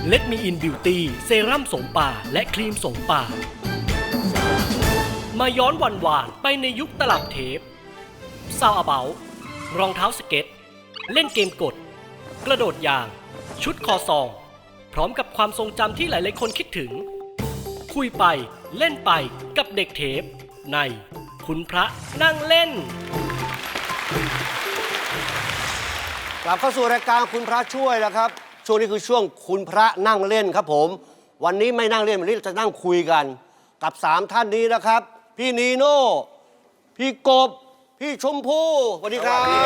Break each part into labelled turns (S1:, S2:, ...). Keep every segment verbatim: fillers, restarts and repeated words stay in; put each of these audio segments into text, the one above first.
S1: Let Me In Beauty เซรั่มโสมป่าและครีมโสมป่ามาย้อนวันวานไปในยุคตลับเทปซาวอาเบารองเท้าสเก็ตเล่นเกมกดกระโดดยางชุดคอซองพร้อมกับความทรงจำที่หลายๆคนคิดถึงคุยไปเล่นไปกับเด็กเทปในคุณพระนั่งเล่น
S2: กลับเข้าสู่รายการคุณพระช่วยแล้วครับช่วงนี้คือช่วงคุณพระนั่งเล่นครับผมวันนี้ไม่นั่งเล่นวันนี้เราจะนั่งคุยกันกับสามท่านนี้นะครับพี่นีโน่พี่กบพี่ชมพู่สวัสดีครับสวัสดี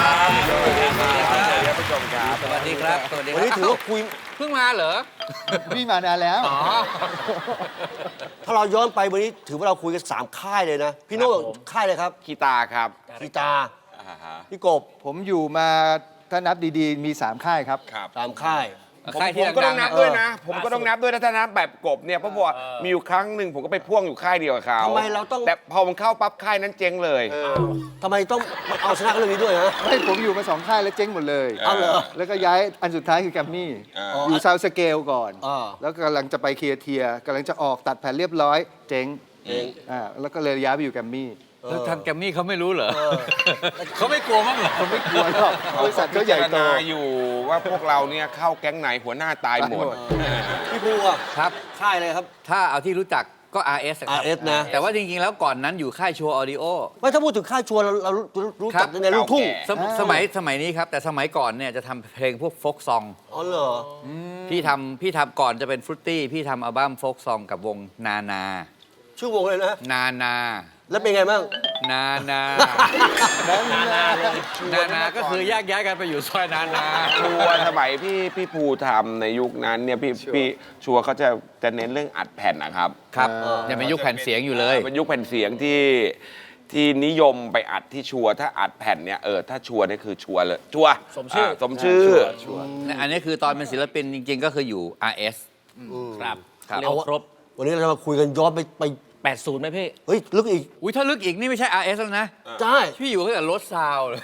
S2: ครับผู้ชมครับ
S3: สวัสดีครับสวัสดีครับ
S2: วันนี้ถือว่าคุย
S3: เพิ่งมาเหรอ
S4: พี่มานานแล้วอ๋อ
S2: ถ้าเราย้อนไปวันนี้ถือว่าเราคุยกันสามค่ายเลยนะพี่โน่ค่ายเลยครับ
S5: กีตาร์ครับ
S2: กีตาร์พี่กบ
S4: ผมอยู่มาถ้านับดีๆ มีสามค่ายครับ
S5: ครับ
S2: สามค่าย
S5: ผม
S3: ค่ายที่
S5: ผมก็ต้องนับ
S3: ดังๆ
S5: ด้วยนะ ผมก็ต้องนับด้วยนะถ้านับแบบกบเนี่ยเพราะว่ามีอยู่ครั้งหนึ่งผมก็ไปพ่วงอยู่ค่ายเดียวกับเขา
S2: ทำไมเราต้อง
S5: แต่พอมันเข้าปั๊บค่ายนั้นเจ๊งเลย
S2: ทำไมต้องเอาชนะเรื่องนี้ด้วยฮะ
S4: ให้ผมอยู่มาสองค่ายแล้วเจ๊งหมดเลย
S2: เอาเหรอ
S4: แล้วก็ย้ายอันสุดท้ายคือแกรมมี่
S5: อ๋อ
S4: อยู่ซาวสเกลก่อน
S2: อ่า
S4: แล้วกำลังจะไปเคลียร์เทียร์กำลังจะออกตัดแผ่นเรียบร้อย เจ๊ง
S2: เจ๊ง
S4: อ่าแล้วก็เลยย้ายไปอยู่แกรมมี่
S3: แล้วทางแกรมมี่เขาไม่รู้เหรอ เขาไม่กลัวมั้งเหรอ
S4: ผมไม่กลัวหรอกบริษัทเขาใหญ่โต
S5: พิจารณาอยู่ว่าพวกเราเนี่ยเข้าแก๊งไหนหัวหน้าตายหมด
S2: พี่ภูอ่ะ
S3: ครับ
S2: ค่ายอะไรครับ
S3: ถ้าเอาที่รู้จักก็ อาร์ เอส ครับ
S2: อาร์ เอส นะ
S3: แต่ว่าจริงๆ แล้วก่อนนั้นอยู่ค่ายชัวร์ออดิโอ
S2: ไม่ถ้าพูดถึงค่ายชวนเราเรารู้จักในลูกทุ่ง
S3: สมสมัยสมัยนี้ครับ แต่สมัยก่อนเนี่ยจะทำเพลงพวกโฟกซอง
S2: อ๋อเหรอ
S3: พี่ทำพี่ทำก่อนจะเป็นฟรุตตี้พี่ทำอัลบั้มโฟกซองกับวงนานา
S2: ชื่อวงเลยนะ
S3: นานา
S2: แล้วเป็นไงบ้าง
S3: นานานานานานาก็คือแยกย้ายกันไปอยู่ซอยนานา
S5: ชัวร์สมัยพี่พี่ภูทำในยุคนั้นเนี่ยพี่พี่ชัวร์เขาจะจะเน้นเรื่องอัดแผ่นนะครับ
S3: ครับยังเป็นยุคแผ่นเสียงอยู่เลย
S5: เป็นยุคแผ่นเสียงที่ที่นิยมไปอัดที่ชัวร์ถ้าอัดแผ่นเนี่ยเออถ้าชัวร์เนี่ยคือชัวร์เลยชัวร์
S2: สมชื่อ
S5: าสมชื่อ
S3: อันนี้คือตอนเป็นศิลปินจริงๆ ก็คืออยู่ อาร์ เอส ครับครับ
S2: เรียกว่าครบ วันนี้เราจะมาคุยกันย้อนไปไป
S1: แปดสิบไหมพี่
S2: เฮ้ยลึกอีก
S3: อุ้ยถ้าลึกอีกนี่ไม่ใช่ อาร์ เอส แล้วนะ
S2: ใช่
S3: พี่อยู่ตั้งแต่รถซาวด์เลย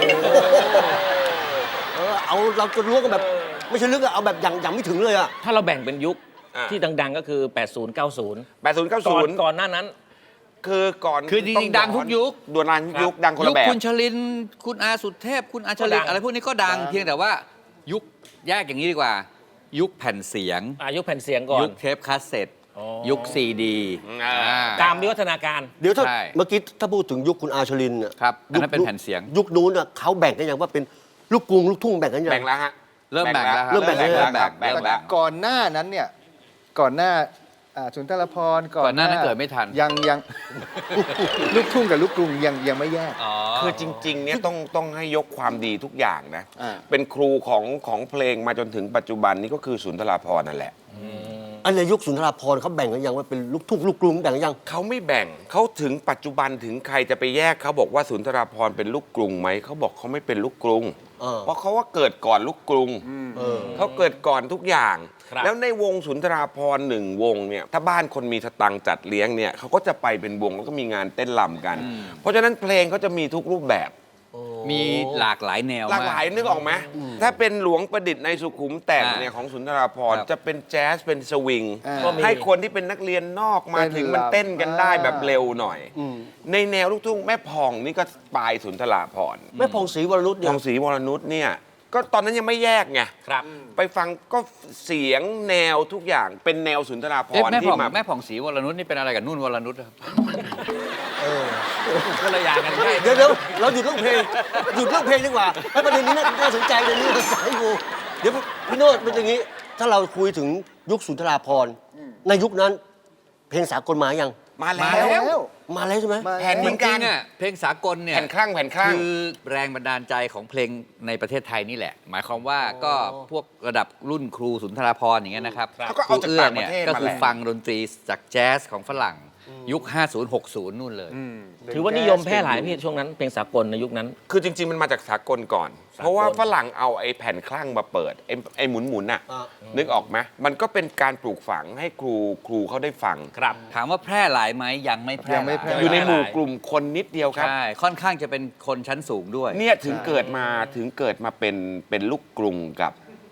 S2: เออเอาเราจะรู้กันแบบ ไม่ใช่ลึกอะเอาแบบยังยังไม่ถึงเลยอะ
S6: ถ้าเราแบ่งเป็นยุค
S5: อ่า
S6: ที่ดัง ๆ ก็คือ แปดสิบ เก้าสิบ
S5: แปดศูนย์เก้า
S6: ก่
S5: ศู
S6: อน
S5: นย์
S6: ก่อนหน้านั้น
S5: คือก่อน
S3: คือจริงๆดังทุกยุค
S5: ดวงดังทุกยุคดังคน
S3: ยุ
S5: ละ
S3: ค
S5: แบบ
S3: คุณชลิน คุณอาสุเทพ คุณอาชลิน อะไรพวกนี้ก็ดัง เพียงแต่ว่ายุคแยกอย่างนี้ดีกว่า ยุคแผ่นเสียง
S6: อายุคแผ่นเสียงก่อน
S3: ยุคเทปคาสเซ็ต
S6: อ๋อ
S3: ยุคซีดี
S5: อ่า
S6: ตามวิวัฒนาการ
S2: เดี๋ยวถ้า
S3: ใช่
S2: เมื่อกี้ถ้าพูดถึงยุคคุณอาชลินเนี่ย
S3: ครับอันนั้น
S2: ยุค
S3: เป็นแผ่นเสียง
S2: ยุคนู้นอะเขาแบ่งกันอย่างว่าเป็นลูกกรุงลูกทุ่งแบ่งกันอย่าง
S5: แบ่งแล้วฮะ
S3: เริ่มแบ่งแล้วครับ
S2: เริ่มแบ่งแล้ว
S3: เริ่มแบ่ง
S5: แบ่ง
S3: เริ่ม
S5: แบ่
S3: แบ่
S5: ง
S3: ง
S4: ก่อนหน้านั้นเนี่ย ก่อนหน้าอ่าสุนทรภรณ์
S3: ก่อนหน้านั้นเกิดไม่ทัน
S4: ยังยัง ลูกทุ่งกับลูกกรุงยังยังไม่แยก
S5: คือจริงๆเนี่ยต้องต้องให้ยกความดีทุกอย่างนะ
S4: อ่า
S5: เป็นครูของของเพลงมาจนถึงปัจจุบันนี้ก็คือสุนทราภรณ์นั่นแหละ
S2: อันในยุคสุนทรภรณ์เขาแบ่งกันอย่างว่าเป็นลูกทุ่งลูกกรุงแบ่งกันยัง
S5: เขาไม่แบ่งเขาถึงปัจจุบันถึงใครจะไปแยกเขาบอกว่าสุนทราภรณ์เป็นลูกกรุงไหมเขาบอกเขาไม่เป็นลูกกรุง
S2: เออ
S5: เพราะเขาว่าเกิดก่อนลูกกรุง
S2: เออ
S5: เขาเกิดก่อนทุกอย่าง
S6: ครับ
S5: แล้วในวงสุนทราภรณ์หนึ่งวงเนี่ยถ้าบ้านคนมีสตังค์จัดเลี้ยงเนี่ยเขาก็จะไปเป็นวงแล้วก็มีงานเต้นรำกัน เพราะฉะนั้นเพลงเขาจะมีทุกรูปแบบ
S3: มีหลากหลายแนว
S5: หลากหลาย
S3: ม
S5: นึกออกไหมถ้าเป็นหลวงประดิษฐ์ในสุขุมแต่ง
S3: อ่า
S5: เนี่ยของสุนทราภรณ์
S3: ครับ
S5: จะเป็นแจ๊สเป็นสวิง
S4: อ่า
S6: ก็มี
S5: ให้คนที่เป็นนักเรียนนอกมา
S4: เต้น
S5: ถึงมัน
S4: รำ
S5: เต้นกันได้
S4: อ่า
S5: แบบเร็วหน่อย
S2: อืม
S5: ในแนวลูกทุ่งแม่พองนี่ก็ปลายสุนทราภรณ์
S2: แม่พงศรีวรนุช
S5: พ
S2: เนี่ย
S5: องศรีวรนุชเนี่ยก็ตอนนั้นยังไม่แยกไง
S6: ครับ
S5: ไปฟังก็เสียงแนวทุกอย่างเป็นแนวสุนทราภ
S3: เอ๊ะ
S5: รณ์
S3: แม่
S5: ที่
S3: ผ่อง
S5: มา
S3: แม่ผ่องศรีวรนุชนี่เป็นอะไรกับนุ่นวรนุชครับ
S6: ก็เลยอย่างกันใช่
S2: เดี๋ยวเดี๋ยวเราหยุดเรื่องเพลงหยุดเรื่องเพลงดีกว่าแล้วประเด็นนี้น่าน่าสนใจเลยนี่น่าสนใจให้กูเดี๋ยวพี่โน้ตเป็นอย่างนี้ ถ้าเราคุยถึงยุคสุนทราภรณ์ในยุคนั้น เพลงสากลมายัง
S5: มาแล้
S3: มาแล้ว
S5: ว
S2: มาแล้วใช่ไหม
S4: มา
S5: แผ่นเหมือน
S3: จ
S5: กั
S3: ริ
S5: น
S3: งๆอ่ะเพลงสากลเนี่ย
S5: แผ่นคลั่งแผ่นคลั่ง
S3: คือแรงบันดาลใจของเพลงในประเทศไทยนี่แหละ หมายความว่าก็พวกระดับรุ่นครูสุนทรภรณ์อย่างเงี้ยนะครับ
S5: เขาก็เอาจาก
S3: ครู
S5: ต่างป
S3: เนี่
S5: ระ
S3: ย
S5: เทศ
S3: ก็
S5: มา
S3: คือ
S5: แหละ
S3: ฟังดนตรีจากแจ๊สของฝรั่งยุค ห้าศูนย์ หกศูนย์ นู่นเลย
S6: ถือว่านิยมแพร่หลายพี่ช่วงนั้นเพลงสากลในยุคนั้น
S5: คือจริง ๆ มันมาจากสากลก่อน เพราะว่าฝรั่งเอาไอ้แผ่นคลั่งมาเปิด ไอ้ไอ้หมุนหมุนๆน่ะ
S2: อ่า
S5: นึกออกไหมมันก็เป็นการปลูกฝังให้ครูครูเขาได้ฟัง
S6: ครับ
S3: ถามว่าแพร่หลายไหมยังไม่แพร่
S4: ยังไม่แพร่
S3: หลา
S5: อยู่ในหมู่กลุ่มคนนิดเดียวครับ
S3: ใช่ค่อนข้างจะเป็นคนชั้นสูงด้วย
S5: เนี่ยถึงเกิดมาถึงเกิดมาเป็นเป็นลูกกรุงกับ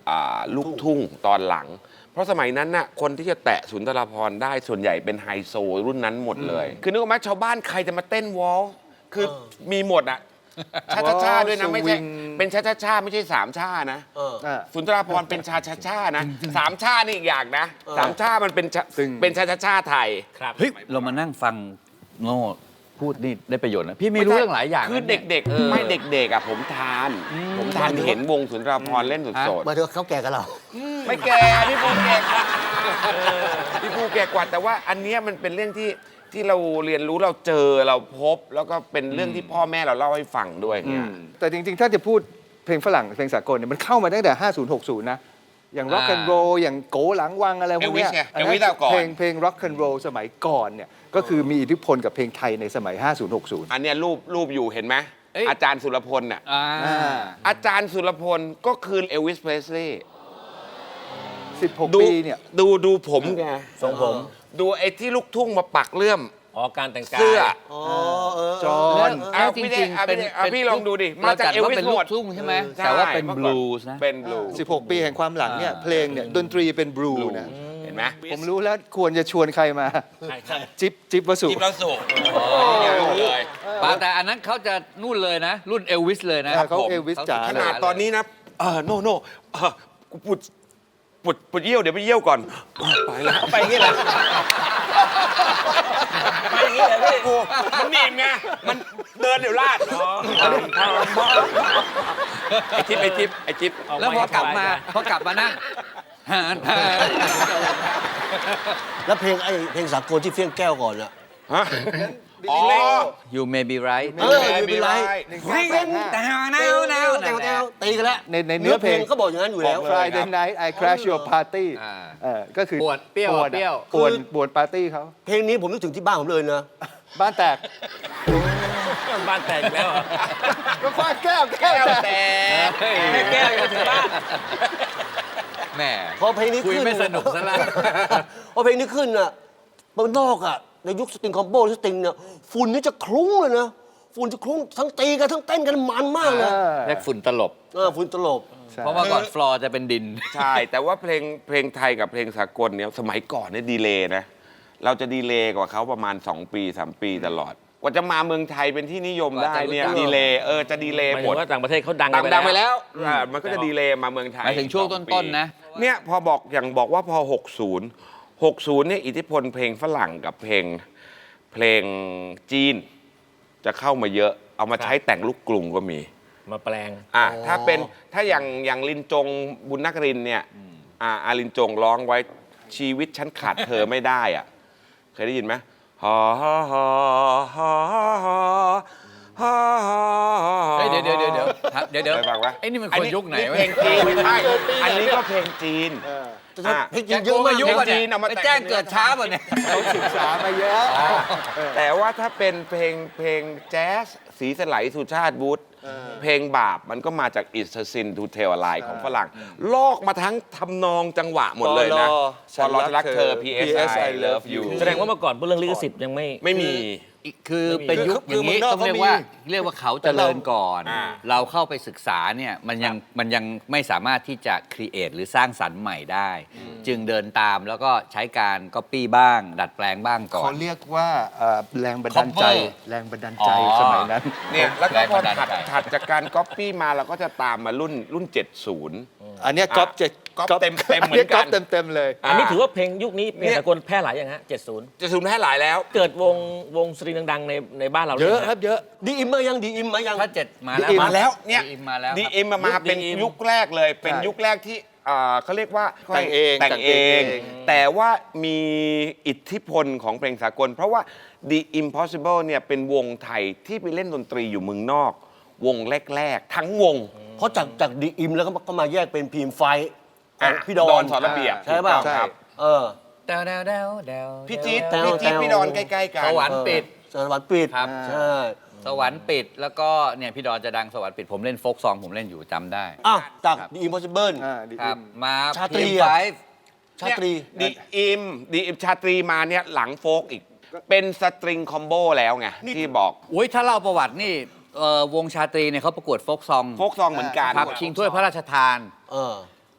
S5: อ่าลูกทุ่งตอนหลัง เพราะสมัยนั้นน่ะคนที่จะแตะสุนทรภรณ์ได้ส่วนใหญ่เป็นไฮโซรุ่นนั้นหมดเลย คือนึกว่าไหมชาวบ้านใครจะมาเต้นวอลคือมีหมดอ่ะชาชาชาด้วยนะไม่ใช่เป็นชาชาชาไม่ใช่สามชานะ
S2: เออ
S4: อ่า
S5: สุนทรภรณ์เป็นชาชาชานะสามชานี่อีกอย่างนะสามชามันเป็นชา
S4: ซึ่ง
S5: เป็นชาชาชาไทย
S3: เฮ้ย เรามานั่งฟังโน่พูดนี่ได้ประโยชน์นะ พี่ไม่รู้เรื่องหลายอย่าง
S5: คือ
S3: นะนี่ย
S5: เด็กๆ ไม่เด็กๆอ่ะผมทาน ผมทานเห็นวงสุนทรภรณ์เล่นสด
S2: หมายถึงว่าเขาแก่กันเรา
S5: ๆไม่แก่พี่ภูแก่กว่าพี่ภูแก่กว่าแต่ว่าอันเนี้ยมันเป็นเรื่องที่ที่เราเรียนรู้เราเจอเราพบ แล้วก็เป็นเรื่องที่พ่อแม่เราเล่าให้ฟังด้วยเนี่ย
S4: แต่จริงๆ ถ้าจะพูดเพลงฝรั่งเพลงสากลเนี่ยมันเข้ามาตั้งแต่ ห้าสิบ หกสิบ นะ อย่าง rock and roll อย่างโกหลังวังอะไรพวกเนี้ย
S5: Elvis ไง
S4: อันนั้น
S5: Elvis เอาก่อน
S4: เพลงเพลง rock and roll สมัยก่อนเนี่ยก็คือมีอิทธิพลกับเพลงไทยในสมัย ห้าสิบ หกสิบ
S5: อันเนี้ยรูปรูปอยู่เห็นไหม
S3: เอ้ย
S5: อาจารย์สุรพลน่ะ
S3: อ่า
S5: อาจารย์สุรพลก็คือเอลวิส เพรสลีย์
S4: สิบหก
S5: ดู
S4: ปีเนี่ย
S5: ดูดูผมไง
S6: ทรงผม
S5: ดูไอ้ที่ลูกทุ่งมาปักเลื่อม
S6: อ๋อการแต่งกาย
S5: เสื้อ
S2: อ๋อเออ
S4: จอ
S3: แล้ว
S4: ห์น
S5: เอา
S3: แล้วจ
S5: พี่ได้
S3: ริง
S5: เอา
S3: ๆเป็น
S5: พี่ได้เอาพี่ลองดูดิมาจาก
S3: รจั
S5: เอลวิส
S3: เป็น
S5: ห
S3: ลู
S5: ม
S3: ก
S5: ด
S3: ทุ่งใช่ไหม
S5: ใช่
S3: แต่ว่าเป็น
S5: มื่
S3: บ
S5: อก่อ
S3: ลูส์นะ
S5: เป็นบลู
S4: สิบหก ปีแห่งความหลังเนี่ย เพลงเนี่ยดนตรีเป็นบลูนะ
S5: เห็นไหม
S4: ผมรู้แล้วควรจะชวนใครมา จิ๊บจิ๊บวสุ
S5: จิบแล้วสุเลย
S3: ปาแต่อันนั้นเขาจะนู่นเลยนะ รุ่นเอลวิสเลยนะ
S4: อ่าเขาเอลวิสจ๋า
S5: ขนาดตอนนี้นะเออโนโนเออกูปวดปวดปวดเยี่ยวเดี๋ยวไปเยี่ยวก่อนไปแล้วไปงี้แหละไปงี้แหละพี่กูมันหนีบไงมันเดินเดี๋ยวลาดไอจิ๊บไอจิ๊บไอจิ๊บ
S3: แล้วพอกลับมาพอกลับมานั่งหานหาน
S2: แล้วเพลงไอ้เพลงสากลที่เฟี้ยงแก้วก่อนอะ
S5: ฮะอ๋อ
S3: You may be right
S2: เออไม่เป็นไร
S5: นี่กันแต่แนวแนวแนว
S2: แตวแตวตีกันแล้ว
S4: ในในเนื้อเพลง
S2: ก็บอกอย่างนั้นอยู่แล้ว
S4: Friday night I crash your party
S3: อ่า
S4: เออก็คือ
S3: ปวดเปรี้ยว
S4: ปดอะ
S3: เปรี้ยว
S4: ปวดปวดปาร์ตี้เขา
S2: เพลงนี้ผมนึกถึงที่บ้านผมเลยนะ
S4: บ้านแตก
S6: บ้านแตกแล้วเหรอ
S4: ก็ฟาดแก้วแก้วแตก
S6: แค่แก้วยังถึงบ้าน
S3: แหม่
S2: พอเพลงนี้
S3: คุย
S2: ขึ้น
S3: ไม่สนุกซะแล้ว
S2: พอเพลงนี้ขึ้นอ่ะบางนอกอ่ะในยุคสตริงคอมโบสตริงเนี่ยฝุ่นนี่จะคลุ้งเลยนะฝุ่นจะคลุ้งทั้งตีกันทั้งเต้นกันมันมากเลย
S3: เรียกฝุ่นตลบ
S2: เออฝุ่นตลบ
S3: เพราะว่าก่อนฟลอร์จะเป็นดิน
S5: ใช่ แต่ว่าเพลงเพลงไทยกับเพลงสากลเนี่ยสมัยก่อนเนี่ยดีเลย์นะ เราจะดีเลย์กว่าเขาประมาณ สอง ปี สาม ปีตลอด กว่าจะมาเมืองไทยเป็นที่นิยมได้เนี่ย
S3: กว่าจะรู้จัก
S5: ดีเลย์เออจะดีเล
S6: ห
S5: ย์
S6: มาย
S5: หม
S6: ถึ
S5: ด
S6: งว่าต่างประเทศเขาดัง
S5: ดัง
S6: ไป
S5: ดังไปแล้วอ่ามันก็จะดีเลย์มาเมืองไทย
S3: หมายถึงช่วง
S5: สอ
S3: ต้น
S5: ปี
S3: ๆนะ
S5: เนี่ยพอบอกอย่างบอกว่าพอ หกสิบ หกสิบเนี่ยอิทธิพลเพลงฝรั่งกับเพลงเพลงจีน จะเข้ามาเยอะเอามาใช้แต่งลูกกรุงก็มี
S6: มาแปลง
S5: อ่ะถ้าเป็นถ้าอย่างอย่างลินจงบุญนักรินทร์เนี่ยอ่าอาลินจงร้องไว้ชีวิตฉันขาดเธอไม่ได้อ่ะเคยได้ยินไหมฮอฮอฮอฮอฮอฮอ
S3: เฮ้ยเดี๋ยวเดี๋ยวเดี๋ยวเดี๋ยวเดี๋ยวเดี๋ยว
S5: เคยฟังปะ
S3: ไอ้นี่มันคนยุคไหน
S5: อั
S3: วะ
S5: เพลงจีนไม่ใช่อันนี้ก็เพลงจีนอ่ะ
S2: เพลงจีนเยอะมาก
S3: ยุค
S5: เพลง
S3: อะ
S5: จี
S3: เนี่ย
S5: นเอามาแต่ง
S3: ไปแจ้งเกิดช้าป่ะเนี่ย
S4: เขาศึกษามาเยอะ
S5: แต่ว่าถ้าเป็นเพลงเพลงแจ๊สสีสไลสุชาติบุตรเพลงบาปมันก็มาจาก It's a Sin to Tell a Lie ของฝรั่ง ลอกมาทั้งทำนองจังหวะหมดเลยนะ
S4: ฉัน
S5: พอ
S4: รั
S5: เรา
S4: ก
S5: รักเธอ
S4: เธอ
S5: พี เอส ไอ Love You
S6: แสดงว่าเมื่อก่อนเรื่องลิขสิทธิ์ยังไม่
S5: ไม่มี
S3: คือเป็นยุคอย่างนี้ต้องเรียกว่าเรียกว่าเขาเจริญก่อน
S5: อ่า
S3: เราเข้าไปศึกษาเนี่ยมันยังมันยังไม่สามารถที่จะครีเอทหรือสร้างสรรค์ใหม่ได้ จึงเดินตามแล้วก็ใช้การก๊อปปี้บ้าง ดัดแปลงบ้างก่อ
S4: เขา
S3: น
S4: เรียกว่าเอ่อแรงบันดาลใจ
S3: Cover
S4: แรงบันดาลใจ
S3: อ๋อ
S4: สมัยนั้น
S5: เนี่ยแล้วก็พอ
S3: แรงบันดาล
S5: ถัด
S3: ใจ
S5: ถัดจากการก๊อปปี้มาเราก็จะตามมารุ่นรุ่น เจ็ดสิบ
S4: อันเนี้ยก๊อปเจ็ด
S5: ก๊อปเต็มเต็มเหมือนกัน
S4: ก๊อปเต็มเต็มๆเลย
S6: อันนี้ถือว่าเพลงยุคนี้เพลงสากลแพร่หลายอย่างฮะเจ็ดสิบ
S5: จะสูญแพร่หลายแล้ว
S6: เกิดวงวงสตริงดังๆในในบ้านเรา
S4: เยอะ
S6: ล
S4: ครับเยอะ
S2: ดีอิมมายังดีอิมมายัง
S3: ถ้าเจ็ดมาแล้ว
S5: มาแล้วเนี่ย
S3: ดีอิมมาแล้ว
S5: ดี
S3: ครับ
S5: เอ็มมามาเป็น
S6: ยุค ดีอิม
S5: ยุคแรกเลย เป็น
S4: ใช่
S5: ยุคแรกที่อ่าเขาเรียกว่า
S4: แต่งเอง
S5: แต่งเอง
S4: แต่งเอง
S5: แต่ว่ามีอิทธิพลของเพลงสากล เพราะว่า The Impossible เนี่ยเป็นวงไทยที่ไปเล่นดนตรีอยู่เมืองนอก วงแรกๆ ทั้งวง
S2: เพราะจากจากดีอิมแล้วก็ก็มาแยกเป็นพีมไฟท์ของ
S5: อ่ะ
S2: พี่ดอน
S5: ดอนสอนระเบียบ
S2: ใช่ป่ะ
S5: ใช่ครับ
S2: เออ
S3: แดวแดวแดวแดว
S5: พี่จี๊ด
S2: แต้ว
S5: พี่จี๊ด
S2: แต้ว
S5: พี่ดอนใกล้ๆกัน
S3: สวรรค์ปิด
S2: สวรรค์ปิด
S3: ครับ
S2: ใช่
S3: สวรรค์ปิดแล้วก็เนี่ยพี่ดอนจะดังสวรรค์ปิดผมเล่นโฟกซองผมเล่นอยู่จำได้
S2: อ้าวจากดีอิมพอสิเบิล
S4: อ่าดี
S3: ค
S4: อิ
S3: รับ
S4: ม
S3: มา
S2: ชาตรี
S3: พี
S2: อะ
S3: ไฟ
S2: ชาตรี
S5: ดีอิมดีอิมชาตรีมาเนี่ยหลังโฟกอีก เป็นสตริงคอมโบแล้วไงที่บอก
S3: อุ้ยถ้าเล่าประวัตินี่เอ่อวงชาตรีเนี่ยเขาประกวดโฟกซอง
S5: โฟกซองเหมือนกัน
S3: ครับชิงถ้วยพระราชทาน
S2: เออ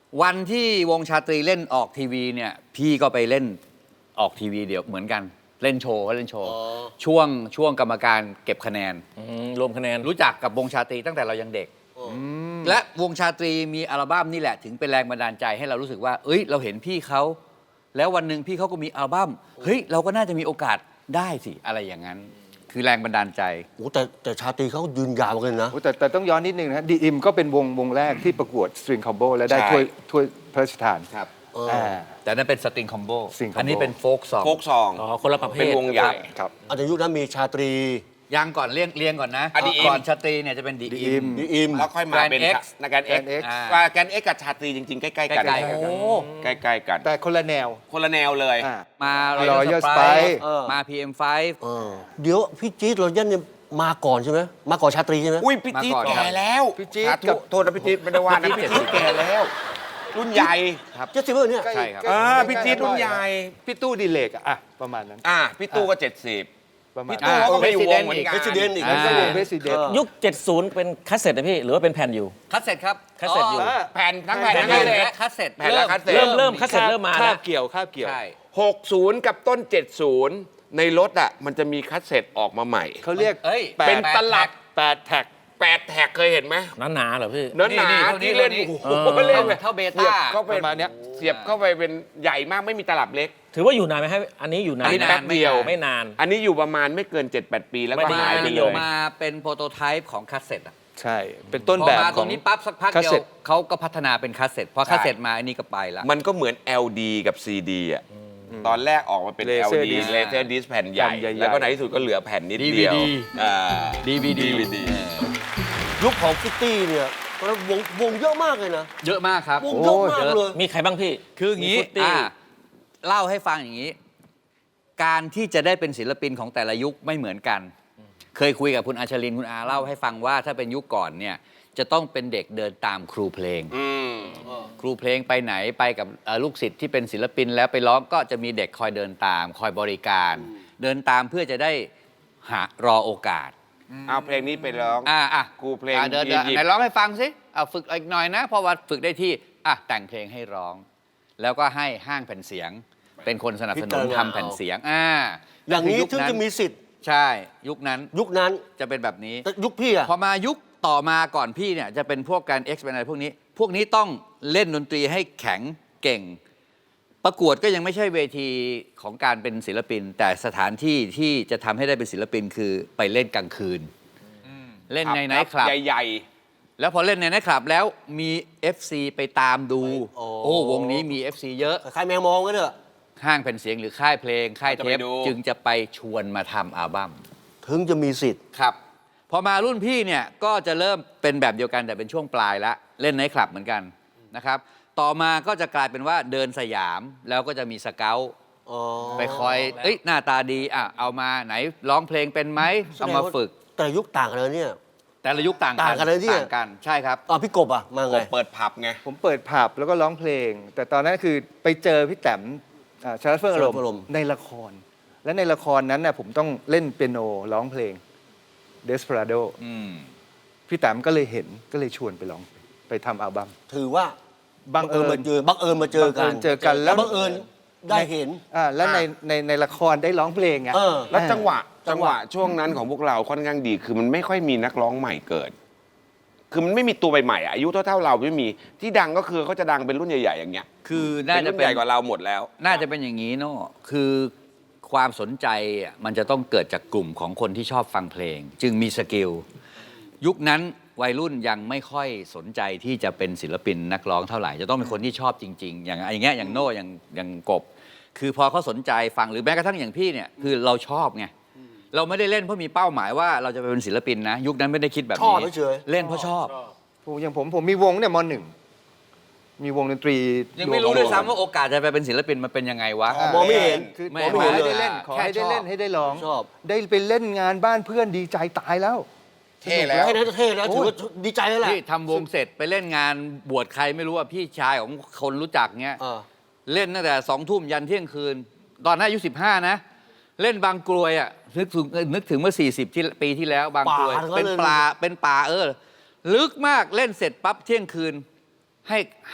S3: วันที่วงชาตรีเล่นออกทีวีเนี่ยพี่ก็ไปเล่นออกทีวีเดี๋ยวเหมือนกันเล่นโชว์ก็เล่นโชว์ช่วงช่วงกรรมการเก็บคะแนน
S6: อืมรวมคะแนน
S3: รู้จักกับวงชาตรีตั้งแต่เรายังเด็ก และวงชาตรีมีอัลบั้มนี่แหละถึงเป็นแรงบันดาลใจให้เรารู้สึกว่า เอ้ย เราเห็นพี่เขาแล้ววันหนึ่งพี่เขาก็มีอัลบั้มเฮ้ยเราก็น่าจะมีโอกาสได้สิอะไรอย่างนั้น คือแรงบันดาลใจ
S2: โอ้แต่แต่ชาตรีเขายืนยาวกันนะ
S4: โอ้แต่แต่ต้องย้อนนิดนึงนะดีอิมก็เป็นวงวงแรกที่ประกวดสตริงคอมโบและได้
S5: ใช่
S4: ถ้วยถ้วยพระราชทาน
S5: ครับ
S4: อ่า
S3: แต่นั่นเป็นสตริงคอมโบ
S4: string combo
S3: อันนี้เป็นโฟกซอง
S5: โฟกซอง
S6: อ๋อ คนละประเภท
S5: เป็นวงใหญ่
S4: ครับ
S2: อาจจะยุคนั้นมีชาตรี
S3: ยังก่อนเรียงเรียงก่อนนะ
S5: อ่ะ ดี
S3: ก่อนชาตรีเนี่ยจะเป็นดี
S4: ดี
S3: อิ
S4: อิ
S3: ม
S4: ม
S2: ดีอิม
S5: แล้วค่อยมาเป็น
S3: Grand X
S5: นักการเอ็ก
S4: Grand X
S5: ว่าแกรนเอ็กกับชาตรีจริงๆ ใกล้ๆกัน
S3: ใกล้ๆกัน
S5: โอ้ใกล้ๆกัน
S4: แต่คนละแนว
S5: คนละแนวเลย
S4: อ่า
S3: มา
S4: Royal
S3: Sprite
S4: Sprite
S2: เออ
S3: มา พี เอ็ม ไฟว์
S2: เออเดี๋ยวพี่จี๊ดโรยันเนี่ยมาก่อนใช่ไหมมาก่อนชาตรีใช่ไหม
S5: อุ้ยพี่จี๊ด
S3: มาก่อน
S5: แก่แล้ว
S4: พี่จี๊ด
S5: สาธุ
S4: กับ
S5: โทษนะพี่จี๊ดไม่ได้ว่านะพี่จี๊ดแก่แล้ว รุ่นใหญ่
S2: เจสซี่เวอร์เนี่ย
S3: ใช่ครับ
S5: เออพี่จี๊ดรุ่นใหญ่
S4: พี่ตู้ดีเลกอะอ่ะประมาณนั้น
S5: อ่ะพี่ตู้ก็เจ็ดสิบ
S4: ประมาณ
S5: พี่ตู้เขาก็ไปอยู่วง
S3: Resident
S5: เหมือนกัน
S2: Resident อีก
S4: แล้วก็วง
S3: อ่า
S4: เรสซิเดนต์
S6: ยุค เจ็ดสิบ เป็นคัสเซ็ตนะพี่ หรือว่าเป็นแผ่นอยู่
S3: คัสเซ็ตครับ
S6: คัสเซ็ตอยู่
S5: แผ่นทั้งแผ่นทั้ง
S3: แผ่
S5: คัส
S3: น
S5: เซ็ต
S3: และคัสเซ็ต
S5: แผ่นและคัสเซ็ต
S6: เริ่มเริ่มคัสเซ็ตเริ่มมา
S4: คา
S6: แล้
S4: บ
S6: ว
S4: เกี่ยวคาบเกี่ยว
S3: ใช่
S5: หกสิบกับต้นเจ็ดสิบในรถอ่ะมันจะมีคัสเซ็ตออกมาใหม่
S4: เขาเรียก
S3: เอ้ย
S4: แปด
S5: เป็นตลับ
S4: แปดแท็ก
S5: แปดแท็กเคยเห็นไหม
S6: หนาๆเหรอพี่
S5: เนื้อหนา
S3: นี่นี่
S5: ที่เล่น
S3: เท่านี้
S5: โอ้โหเล่นไป
S3: เท่าเบ
S5: เสีย
S3: ต้า
S5: บเข้าไป
S4: ประมาณเนี้ย
S5: เสียบเข้าไปเป็นใหญ่มากไม่มีตลับเล็ก
S6: ถือว่าอยู่นานไหมให้อันนี้อยู่นา
S5: อั
S6: น
S5: นนี้
S6: ไหม
S5: แป๊บเดียว
S6: ไม่นาน
S5: อันนี้อยู่ประมาณไม่เกิน เจ็ดแปด ปีแล้ว
S6: ไม่
S5: ก็
S6: ได้
S5: หายไป
S3: มัน
S5: เล
S3: อยู่
S5: ย
S3: มาเป็นโปรโตไทป์ของคัสเซ็ตอะ
S4: ใช่ เป็นต้น
S3: พอ
S4: แบบ
S3: มา
S4: ข
S3: ตร
S4: อง
S3: งนี้ปั๊บสักพัก
S4: คัส
S3: เดียว
S4: เซ็ต
S3: เขาก็พัฒนาเป็นคัสเซ็ตพอคัสเซ็ตมาอันนี้ก็ไปละ
S5: มันก็เหมือน แอล ดี กับ ซี ดี อ่ะ ตอนแรกออกมาเป็น
S4: Laser
S5: แอล ดี
S4: disc
S5: เลเซอร์ดิสแผ่นใหญ่
S4: แผ่นใหญ่ๆ
S5: แล้วก็ในที่สุดก็เหลือแผ่นนิดเดียว
S3: ดี วี ดี
S5: อ่า
S3: ดี วี ดี
S5: ดี วี ดี
S2: ยุคของซิตี้เนี่ยตอนนั้นวงวงเยอะมากเลยนะ
S3: เยอะมากครับ
S2: วงเยอะมากเลย
S6: มีใครบ้างพี่
S3: คืออย่างนี้
S6: มีฟุตตี้
S3: อ่าเล่าให้ฟังอย่างนี้ การที่จะได้เป็นศิลปินของแต่ละยุคไม่เหมือนกัน เคยคุยกับคุณอาชลินคุณอาเล่าให้ฟังว่าถ้าเป็นยุคก่อนเนี่ยจะต้องเป็นเด็กเดินตามครูเพลง
S5: อืม
S3: ครูเพลงไปไหนไปกับเอ่อลูกศิษย์ที่เป็นศิลปินแล้วไปร้องก็จะมีเด็กคอยเดินตาม คอยบริการ เดินตามเพื่อจะได้หารอโอกาส
S5: เอาเพลงนี้ไปร้อง
S3: อ่าอ่ะ
S5: ครูเพลง
S3: อ่ะเดินเดิน
S5: หยิบ
S3: ไหนร้องให้ฟังสิอ่ะฝึกอีกหน่อยนะเพอว่าฝึกได้ที่อ่ะแต่งเพลงให้ร้อง แล้วก็ให้ห้างแผ่นเสียง เป็นคนสนับสนุน
S2: พิจารณา
S3: ทำแผ่นเสียงอ่า
S2: อย่างนี้
S3: คื
S2: ถึงจะมีสิทธิ์
S3: ใช่ยุคนั้น
S2: ยุคนั้น
S3: จะเป็นแบบนี้
S2: แต่ยุคพี่อะ
S3: พอมายุคต่อมาก่อนพี่เนี่ยจะเป็นพวกการ X เป็นอะไรพวกนี้ พวกนี้ต้องเล่นดนตรีให้แข็งเก่ง ประกวดก็ยังไม่ใช่เวทีของการเป็นศิลปิน แต่สถานที่ที่จะทำให้ได้เป็นศิลปินคือไปเล่นกลางคืน เล่นในไนท์คลับ
S5: ใหญ่
S3: แล้วพอเล่นในไนท์คลับแล้วมี เอฟ ซี ไปตามดู
S2: โอ้
S3: โอ้วงนี้มี เอฟ ซี เยอะ
S2: ใครแมวมองกันเถอะ
S3: ห้างแผ่นเสียงหรือค่ายเพลง ค่าย
S5: จะ
S3: เท
S5: ไป
S3: ป
S5: ดู
S3: จึงจะไปชวนมาทำอัลบั้ม
S2: ถึงจะมีสิทธิ์
S3: ครับ พอมารุ่นพี่เนี่ยก็จะเริ่มเป็นแบบเดียวกันแต่เป็นช่วงปลายละเล่นไนท์คลับเหมือนกันนะครับ ต่อมาก็จะกลายเป็นว่าเดินสยามแล้วก็จะมีสเกล
S2: อ๋อ
S3: ไปคอยเอ้ยหน้าตาดีอ่ะเอามาไหนร้องเพลงเป็นไหมเอามาฝึก
S2: แต่ยุคต่างกันเลยเนี่ย
S3: แต่ละยุคต่าง
S2: ต่างกันเลยเนี่ย
S3: ต่างกันใช่ครับ
S2: อ๋อพี่กบอะมา
S5: ๆ
S2: ไง
S5: เปิดผับไง
S4: ผมเปิดผับแล้วก็ร้องเพลง แต่ตอนนั้นคือไปเจอพี่แต้มอ่าชาลัดเฟื่องอารม
S2: ชาลัดเฟื่องอารมณ์
S4: ณ์ในละคร และในละครนั้นน่ะผมต้องเล่นเปียโนร้องเพลง Desperado
S3: อืม
S4: พี่แต้มก็เลยเห็นก็เลยชวนไปร้องไปทำอัลบั้ม
S2: ถือว่า
S4: บังเอิญ
S2: มาเจอบังเอิญมาเจอกัน
S4: บังเอิญเจอกันแล้ว
S2: บังเอิญได้เห็น
S4: อ่าแล้วในในในละครได้ร้องเพลงไง
S2: เออ
S5: แล้วจังหวะ
S2: จั
S5: จั
S2: ง
S5: ง
S2: ห
S5: ห
S2: วะ
S5: วะช่วงนั้นของพวกเราค่อนข้างดี คือมันไม่ค่อยมีนักร้องใหม่เกิด คือมันไม่มีตัวใหม่ๆอ่ะอายุเท่าๆเราไม่มีที่ดังก็คือเขาจะดังเป็นรุ่นใหญ่ๆอย่างเงี้ย
S3: คือ
S5: เป็
S3: น่าน จะ
S5: รุ่น
S3: เป็
S5: ให
S3: น
S5: ญ่กว่าเราหมดแล้ว
S3: น่าจะเป็นอย่างนี้เนาะคือความสนใจอ่ะมันจะต้องเกิดจากกลุ่มของคนที่ชอบฟังเพลง จึงมีสกิล ยุคนั้นวัยรุ่นยังไม่ค่อยสนใจที่จะเป็นศิลปินนักร้องเท่าไหร่ จะต้องเป็นคนที่ชอบจริง ๆ อย่างอย่างเงี้ยอย่างโน่อย่างอย่างกบ คือพอเขาสนใจฟังหรือแม้กระทั่งอย่างพี่เนี่ยคือเราชอบไงเราไม่ได้เล่นเพราะมีเป้าหมายว่าเราจะไปเป็นศิลปินนะ ยุคนั้นไม่ได้คิดแบบ
S2: ชอบ
S3: นี้
S2: เฉย
S3: เล่นเพราะชอบ
S4: ผมอย่างผมผมมีวงเนี่ยมหนึ่งมีวงดนตรี
S3: ยังไม่รู้ด้วยซ้ำว่าโอกาสจะไปเป็นศิลปินมันเป็นยังไงวะ
S2: อ๋อมองไม่เห็น
S4: คือ
S3: ไม่
S4: ขอให้
S2: ไม่
S4: ได้เล่นขอ
S3: แค่
S4: ให้ได้เล่น
S3: ชอบ
S4: ให้ได้ร้อง
S2: ชอบ
S4: ได้ไปเล่นงานบ้านเพื่อนดีใจตายแล้ว
S5: เท่แล้ว
S2: แค่นั้นก็เท่แล้วถือว่าดีใจแล้วแหละ
S3: ที่ทำวงเสร็จไปเล่นงานบวชใครไม่รู้ว่าพี่ชายของคนรู้จักเงี้ย
S2: เออ
S3: เล่นตั้งแต่สองทุ่มยันเที่ยงคืน ตอนนั้นอายุสิบห้านะ เล่นบางกรวยอ่ะนึกถึงนึกถึงเมื่อ สี่สิบ ที่ปีที่แล้วบางกรวย
S2: ป่าทั้งนั้น
S3: เป็น
S2: เลย
S3: ปลาเป็นป่าเออ ลึกมากเล่นเสร็จปั๊บเที่ยงคืน ให้ก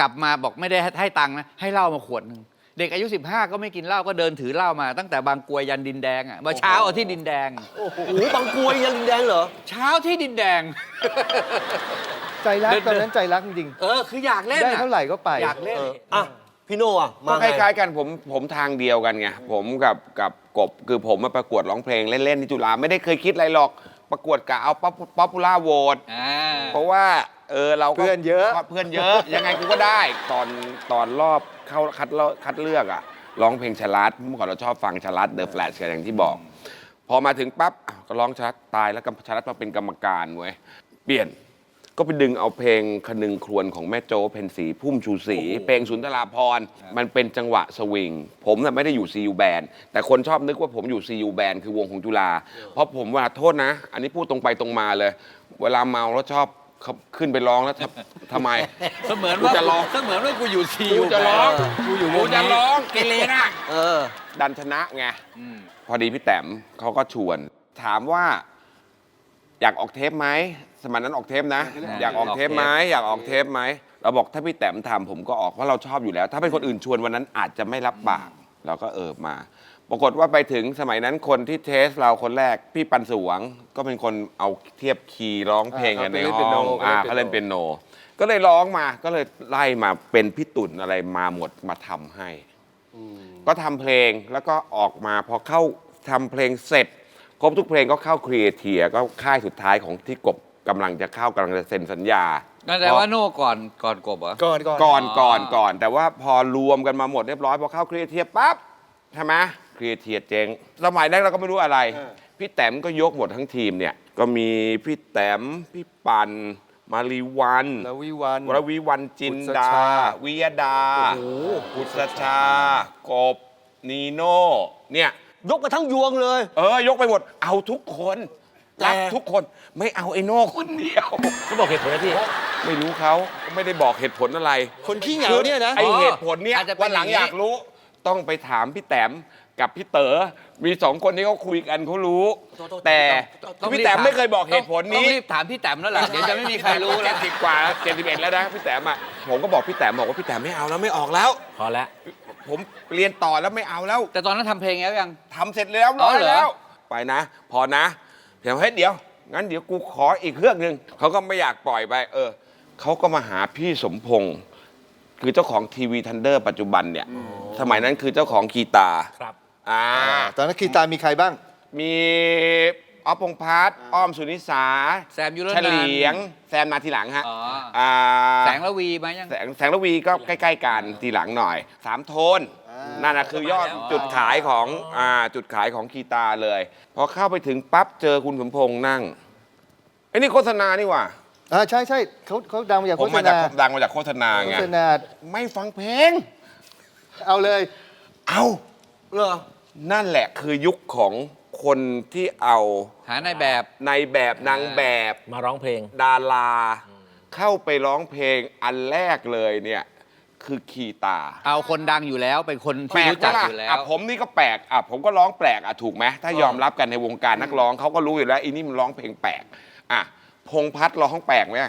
S3: ลับมาบอกไม่ได้ให้ตังค์นะให้เหล้ามาขวดหนึงเด็กอายุสิบห้าก็ไม่กินเหล้าก็เดินถือเหล้ามาตั้งแต่บางกรวยยันดินแดงอ่ะมาเช้าเอาที่ดินแดง
S2: โอ้โหบางกรวยยังดินแดงเหรอ
S3: เช้าที่ดินแดง
S4: ใจรัก
S3: เดิน
S4: ตอนนั้นใจรักจริง
S3: เออคืออยากเล่น
S4: ได้
S3: อะ
S4: เท่าไหร่ก็ไป
S3: อยากเล่น
S2: เอออ่ะพี่โน่อะ
S5: ก็
S2: มา
S5: ค
S2: ไง
S5: ล้ายๆกันผมผมทางเดียวกันไงผมกับกับกบคือผมมาประกวดร้องเพลงเล่นๆที่จุฬาไม่ได้เคยคิดอะไรหรอกประกวดกะเอาป๊อปป๊อปปูล่าโหวต
S3: อ่า
S5: เพราะว่าเออเราก็
S4: เพื่อนเยอะ
S5: เพื่อนเยอะ ยังไงกูก็ได้ ตอนตอนรอบเข้าคัดเลือกคัดเลือกอะร้องเพลงชลัดเมื่อก่อนเราชอบฟังชลัดเดอะแฟลชอย่างที่บอก พอมาถึงปั๊บอ้าวก็ร้องชลัดตายแล้วก็ชลัดมาเป็นกรรมการเว้ยเปลี่ยนก็ไปดึงเอาเพลงคนึงครวญของแม่โจ้เพ็ญศรีพุ่มชูศรีเพลงสุนทราภรณ์มันเป็นจังหวะสวิง ผมน่ะไม่ได้อยู่ซีอูแบนแต่คนชอบนึกว่าผมอยู่ซีอูแบนคือวงของจุฬาเพราะผมเวลาโทษนะ อันนี้พูดตรงไปตรงมาเลย เวลาเมาแล้วชอบขึ้นไปร้องแล้วทำทำไม
S3: เสมือน
S5: กู
S3: ว่า
S5: จะร้อง
S3: เสมือนว่ากูอยู่ซี
S5: กูจะร้อง
S3: กูอยู่ว
S5: กู
S3: ง
S5: จะ
S3: นี้
S5: ร้องเกเรน่ะ
S2: เออ
S5: ดันชนะไง
S3: อืม
S5: พอดีพี่แต้มเขาก็ชวน ถามว่า อยากออกเทปไหมสมัยนั้นออกเทปนะ อยากออกเทปไหมอยากออกเทปไหมเราบอกถ้าพี่แต้มทำผมก็ออกเพราะเราชอบอยู่แล้ว ถ้าเป็นคนอื่นชวนวันนั้นอาจจะไม่รับปากเราก็เออมา ปรากฏว่าไปถึงสมัยนั้นคนที่เทสเราคนแรกพี่ปันสวง ก็เป็นคนเอาเทียบคีย์ร้องเพลงกันในห้องอ่าเขาเล่นเปียโน ก็เลยร้องมาก็เลยไล่มาเป็นพี่ตุ่นอะไรมาหมดมาทำให้ ก็ทำเพลงแล้วก็ออกมาพอเข้าทำเพลงเสร็จ ครบทุกเพลงก็เข้าครีเอเทียก็ค่ายสุดท้ายของที่กบกำลังจะเข้ากำลังจะเซ็นสัญญา
S3: นั่นแปลว่าโน่ก่อนก่อนกบเหรอ
S4: ก่อนก่อน
S5: ก่อนก่อนก่อน แต่ว่าพอรวมกันมาหมดเรียบร้อยพอเข้าครีเอเทียปั๊บใช่ไหมครีเอเทียเจ๊งสมัยนั้นเราก็ไม่รู้อะไร พี่แต้มก็ยกหมดทั้งทีมเนี่ยก็มีพี่แต้มพี่ปันมารีวัน
S4: แล้ววิวัน
S5: วรวิวันจินดา
S4: พุทธชา
S5: วิยดาพุทธชากบนีโน่เนี่ย
S2: ยกมาทั้งยวงเลย
S5: เออยกไปหมด เอาทุกคน
S2: แต่
S5: รักทุกคนไม่เอาไอ้โน่คนเดียว
S6: เขาบอกเหตุผลนะพี่
S5: ไม่รู้เขาไม่ได้บอกเหตุผลอะไร
S4: คนขี้เหงาเนี่ยนะ
S5: ไอเหตุผลเนี้ย
S3: อาจจะเป็น
S5: วันหลัง
S3: อย่างนี้
S5: อยากรู้ ต้องไปถามพี่แต้มกับพี่เต๋อมีสองคนนี้เขาคุยกันเขารู้ แต่
S3: ต้อง
S5: พี่
S3: รีบ
S5: แต้ม
S3: ถา
S5: ไม่เคยบอกเหตุผล
S3: ต้อ
S5: นี้
S3: งรีบถามพี่แต้มแล้วล่ะเดี๋ยวจะไม่มีใครรู้
S5: เจ็
S3: แล้
S5: ด
S3: ว
S5: สิบกว่าเจ็ดสิบเอ็ดแล้วนะพี่แต้มอ่ะผมก็บอกพี่แต้มบอกว่าพี่แต้มไม่เอาแล้วไม่ออกแล้ว
S6: พอแล้ว
S5: ผมเรียนต่อแล้วไม่เอาแล้ว
S3: แต่ตอนนั้นทำเพลงแล้วยัง
S5: ทำเสร็จแล้ว
S3: อ๋
S5: ร้
S3: อ
S5: อย
S3: เหรอ
S5: แล้ว ไปนะ พอนะเพียงเฮ้ยเดี๋ยว งั้นเดี๋ยวกูขออีกเครื่องหนึ่งเขาก็ไม่อยากปล่อยไป เออเขาก็มาหาพี่สมพงษ์คือเจ้าของทีวีทันเดอร์ปัจจุบันเนี่ย สมัยนั้นคือเจ้าของกีตาร์
S6: ครับ
S5: อ่า
S4: ตอนนั้นคีตามีใครบ้าง
S5: มีออฟพงษ์พัฒน์อ้อมสุนิสา
S3: แซมยุรนันท์
S5: เฉลียง แซมมาทีหลังฮะ
S3: อ๋ออ่
S5: า
S3: แสงระวีไหมยัง
S5: แสงแสงระวีก็ใกล้ ๆ กันทีหลังหน่อยสามโทนนั่นนะคือยอดจุดขายของอ่าจุดขายของกีตาร์เลย พอเข้าไปถึงปั๊บเจอคุณสมพงษ์นั่งไอ้นี่โฆษณานี่หว่า
S4: อ่าใช่ใช่เขาเขาดังมาจาก
S5: ผ
S4: โฆ
S5: ม
S4: ษ
S5: มาจาก
S4: ณา
S5: ดังมาจากโฆษณา
S4: โฆ
S5: ไง
S4: ษณา
S5: ไม่ฟังเพลง
S4: เอาเลย
S5: เอา
S2: เหรอ
S5: นั่นแหละคือยุคของคนที่เอา
S3: หาในแบบ
S5: ในแบบนางแบบ
S6: มาร้องเพลง
S5: ดาราเข้าไปร้องเพลงอันแรกเลยเนี่ยคือคีตา
S3: เอาคนดังอยู่แล้วเป็นคน
S5: แปล
S3: ที่
S5: ก
S3: รู้จัก
S5: ปะล่ะ
S3: อยู่แล้ว
S5: อ่ะผมนี่ก็แปลกอ่ะผมก็ร้องแปลกอ่ะถูกไหมถ้ายอมรับกันในวงการนักร้องเขาก็รู้อยู่แล้วอีนี่มันร้องเพลงแปลกอ่ะพงษ์พัฒน์ร้องแปลกไหมอ่ะ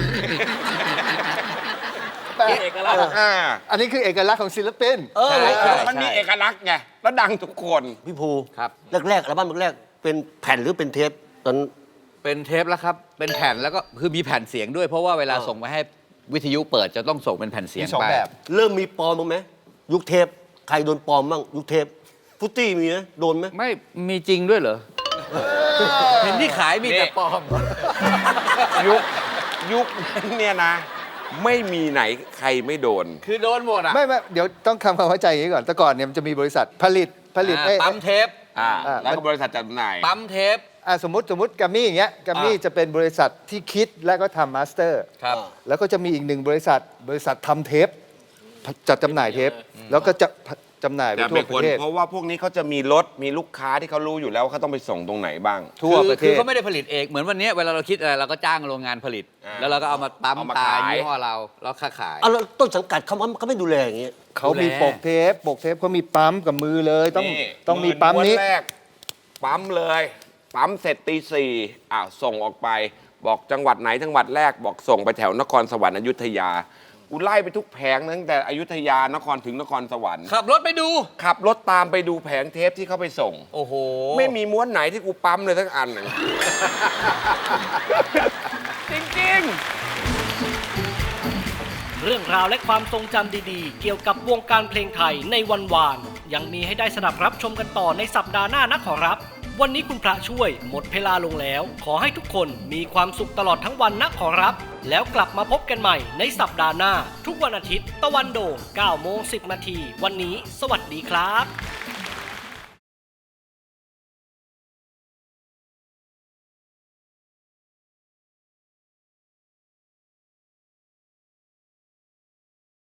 S4: แปลก
S6: เอกลักษณ์
S5: อ่า
S4: อันนี้คือเอกลักษณ์ของศิลปิน
S2: เออ
S3: ใช่ใช่
S5: มันมีเอกลักษณ์ไงแล้วดังทุกคน
S2: พี่ภู
S3: ครับ
S2: แรกๆอัลบั้มแรกๆเป็นแผ่นหรือเป็นเทปตอน
S3: เป็นเทปแล้วครับ เป็นแผ่นแล้วก็คือมีแผ่นเสียงด้วย เพราะว่าเวลา
S2: เออ
S3: ส่งไปให้วิทยุเปิดจะต้องส่งเป็นแผ่นเสียง
S4: มีสอง
S3: ไป
S4: แบบ
S2: เริ่มมีปลอมบ้างไหมยุคเทปใครโดนปลอมบ้างยุคเทปฟุตตี้มีไหมโดนไหม
S3: ไม่มีจริงด้วยเหรอ เห็นที่ขายมีแต่ปลอม
S5: ยุคยุคนั้นเนี่ยนะ ไม่มีไหนใครไม่โดน
S3: คือโดนหมดอ่ะ
S4: ไม่ไม่เดี๋ยวต้องทำความเข้าใจอย่างนี้ก่อน แต่ก่อนเนี่ยมันจะมีบริษัทผลิตผลิต
S3: อ่า
S4: ไอ้
S3: ปั๊มเทป
S5: อ่า
S4: อ่า
S5: แล้วก็บริษัทจำหน่าย
S3: ปั๊มเทป
S4: อ่ะสมมติสมมติกัมมี่อย่างเงี้ยกัมมี่
S2: อ่า
S4: จะเป็นบริษัทที่คิดและก็ทำมาสเตอร์
S3: ครับ
S4: แล้วก็จะมีอีกหนึ่งบริษัทบริษัททำเทปจัดจำหน่ายเทป แล้วก็จะจำหน่ายไป
S5: แต่
S4: ทั่
S5: เป็
S4: วน ป
S5: คน
S4: ระเทศ
S5: เพราะว่าพวกนี้เขาจะมีรถมีลูกค้าที่เขารู้อยู่แล้วว่าเขาต้องไปส่งตรงไหนบ้าง
S4: ทั่ว
S3: คือ
S4: ประเท
S3: คือ
S4: ศ
S3: เขาไม่ได้ผลิตเอง เหมือนวันนี้เวลาเราคิดอะไรเราก็จ้างโรงงานผลิต
S5: อ่า
S3: แล้วเราก็เอามาปั๊ม
S5: เอามา
S3: ตา
S5: ขาย
S3: ยี่ห้อเรา แล้วค้าขาย
S2: เอาแล้วต้นสังกัดเขาเขาไม่ดูแลอย่างงี้
S4: เขามี
S3: ดูแล
S4: ปกเทปปกเทปเขามีปั๊มกับมือเลย ต้อง
S5: นี่
S4: ต้องมีปั๊มนี้
S5: หนแรกปั๊มเลย ปั๊มเสร็จตีสี่อ้าวส่งออกไป บอกจังหวัดไหนจังหวัดแรกบอกส่งไปแถวนครสวรรค์อยุธยากูไล่ไปทุกแผงตั้งแต่อยุธยานครถึงนครสวรรค์
S3: ขับรถไปดู
S5: ขับรถตามไปดูแผงเทปที่เขาไปส่ง
S3: โอ้โห
S5: ไม่มีม้วนไหนที่กูปั๊มเลยทั้งอันหนึ่ง จริง
S1: เรื่องราวและความทรงจำดีๆ เกี่ยวกับวงการเพลงไทยในวันวานยังมีให้ได้สดับรับชมกันต่อในสัปดาห์หน้านะขอรับ วันนี้คุณพระช่วยหมดเวลาลงแล้ว ขอให้ทุกคนมีความสุขตลอดทั้งวันนะขอรับ แล้วกลับมาพบกันใหม่ในสัปดาห์หน้า ทุกวันอาทิตย์ตะวันโด่งเก้าโมงสิบนาทีวันนี้สวัสดีครับ